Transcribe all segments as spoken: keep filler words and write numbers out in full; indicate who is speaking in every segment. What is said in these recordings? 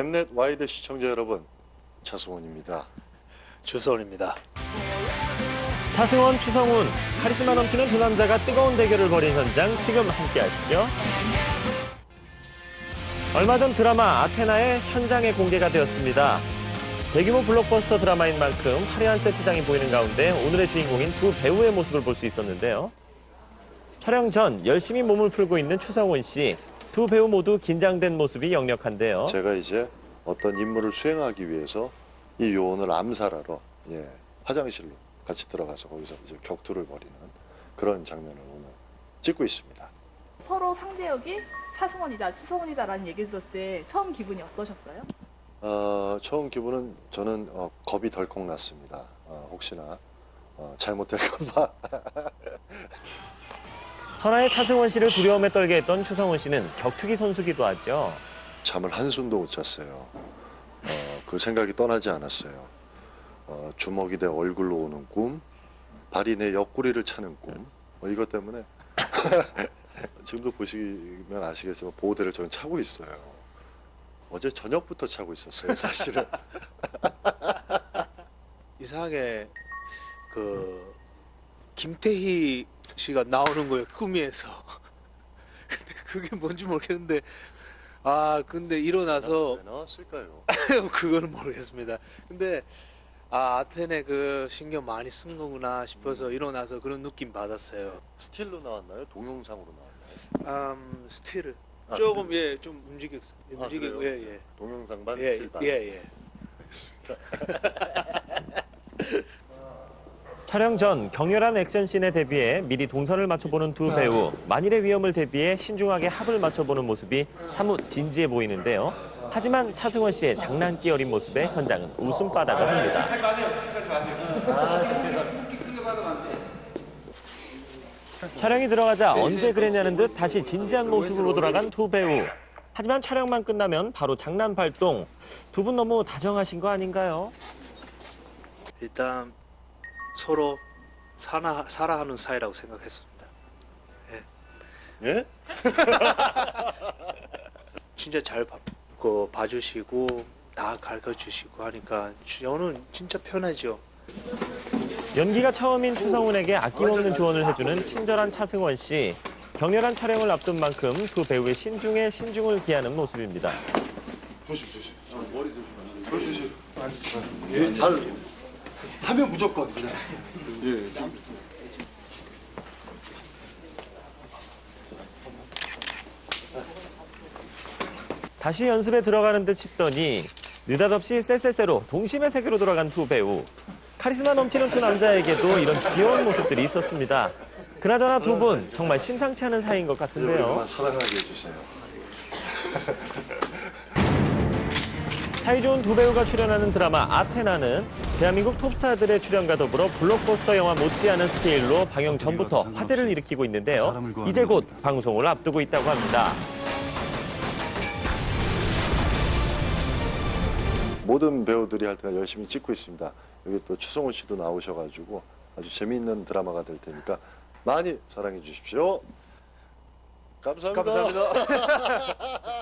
Speaker 1: 엠넷 와이드 시청자 여러분, 차승원입니다.
Speaker 2: 주서원입니다.
Speaker 3: 차승원, 추성훈, 카리스마 넘치는 두 남자가 뜨거운 대결을 벌인 현장 지금 함께 하시죠. 얼마 전 드라마 아테나의 현장에 공개가 되었습니다. 대규모 블록버스터 드라마인 만큼 화려한 세트장이 보이는 가운데 오늘의 주인공인 두 배우의 모습을 볼 수 있었는데요. 촬영 전 열심히 몸을 풀고 있는 추성훈 씨. 두 배우 모두 긴장된 모습이 역력한데요.
Speaker 1: 제가 이제 어떤 임무를 수행하기 위해서 이 요원을 암살하러 예, 화장실로 같이 들어가서 거기서 이제 격투를 벌이는 그런 장면을 오늘 찍고 있습니다.
Speaker 4: 서로 상대역이 차승원이다, 추성훈이다라는 얘기를 들었을 때 처음 기분이 어떠셨어요?
Speaker 1: 어, 처음 기분은 저는 어, 겁이 덜컥 났습니다. 어, 혹시나 어, 잘못될까봐.
Speaker 3: 천하의 차승원 씨를 두려움에 떨게 했던 추성훈 씨는 격투기 선수기도 하죠.
Speaker 1: 잠을 한숨도 못 잤어요. 어, 그 생각이 떠나지 않았어요. 어, 주먹이 내 얼굴로 오는 꿈, 발이 내 옆구리를 차는 꿈, 뭐 이것 때문에 지금도 보시면 아시겠지만 보호대를 저는 차고 있어요. 어제 저녁부터 차고 있었어요, 사실은.
Speaker 2: 이상하게 그 김태희 씨가 나오는 거예요, 꿈에서. 근데 그게 뭔지 모르겠는데, 아 근데 일어나서
Speaker 1: 왜 나왔을까요?
Speaker 2: 그거는 모르겠습니다. 근데 아 아테네 그 신경 많이 쓴 거구나 싶어서 일어나서 그런 느낌 받았어요.
Speaker 1: 스틸로 나왔나요? 동영상으로 나왔나요?
Speaker 2: 음 스틸
Speaker 1: 아,
Speaker 2: 조금 예 좀 움직였
Speaker 1: 아,
Speaker 2: 움직이고
Speaker 1: 그래요?
Speaker 2: 예예
Speaker 1: 동영상반
Speaker 2: 예,
Speaker 1: 스틸반.
Speaker 2: 예, 예.
Speaker 3: 촬영 전 격렬한 액션씬에 대비해 미리 동선을 맞춰보는 두 배우. 만일의 위험을 대비해 신중하게 합을 맞춰보는 모습이 사뭇 진지해 보이는데요. 하지만 차승원 씨의 장난기 어린 모습에 현장은 웃음바다가 됩니다. 촬영이 들어가자 언제 그랬냐는 듯 다시 진지한 모습으로 돌아간 두 배우. 하지만 촬영만 끝나면 바로 장난 발동. 두 분 너무 다정하신 거 아닌가요?
Speaker 2: 일단 서로 사나, 살아하는 사이라고 생각했습니다.
Speaker 1: 예?
Speaker 2: 진짜 잘 봐, 그, 봐주시고 다 가르쳐주시고 하니까 저는 진짜 편하죠.
Speaker 3: 연기가 처음인 추성훈에게 아낌없는 조언을 해주는 친절한 차승원 씨. 격렬한 촬영을 앞둔 만큼 두 배우의 신중에 신중을 기하는 모습입니다.
Speaker 1: 조심 조심. 머리 조심. 조심. 예, 잘 하면 무조건 그냥. 예.
Speaker 3: 다시 연습에 들어가는 듯 싶더니 느닷없이 쎄쎄쎄로 동심의 세계로 돌아간 두 배우. 카리스마 넘치는 두 남자에게도 이런 귀여운 모습들이 있었습니다. 그나저나 두 분 정말 심상치 않은 사이인 것 같은데요.
Speaker 1: 여러분만 사랑하게 해주세요.
Speaker 3: 사이좋은 두 배우가 출연하는 드라마 아테나는 대한민국 톱스타들의 출연과 더불어 블록버스터 영화 못지않은 스케일로 방영 전부터 화제를 일으키고 있는데요. 이제 곧 방송을 앞두고 있다고 합니다.
Speaker 1: 모든 배우들이 할 때가 열심히 찍고 있습니다. 여기 또 추성훈 씨도 나오셔가지고 아주 재미있는 드라마가 될 테니까 많이 사랑해 주십시오. 감사합니다.
Speaker 2: 감사합니다.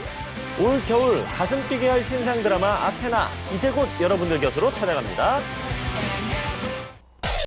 Speaker 3: 올 겨울 가슴 뛰게 할 신상 드라마 아테나 이제 곧 여러분들 곁으로 찾아갑니다.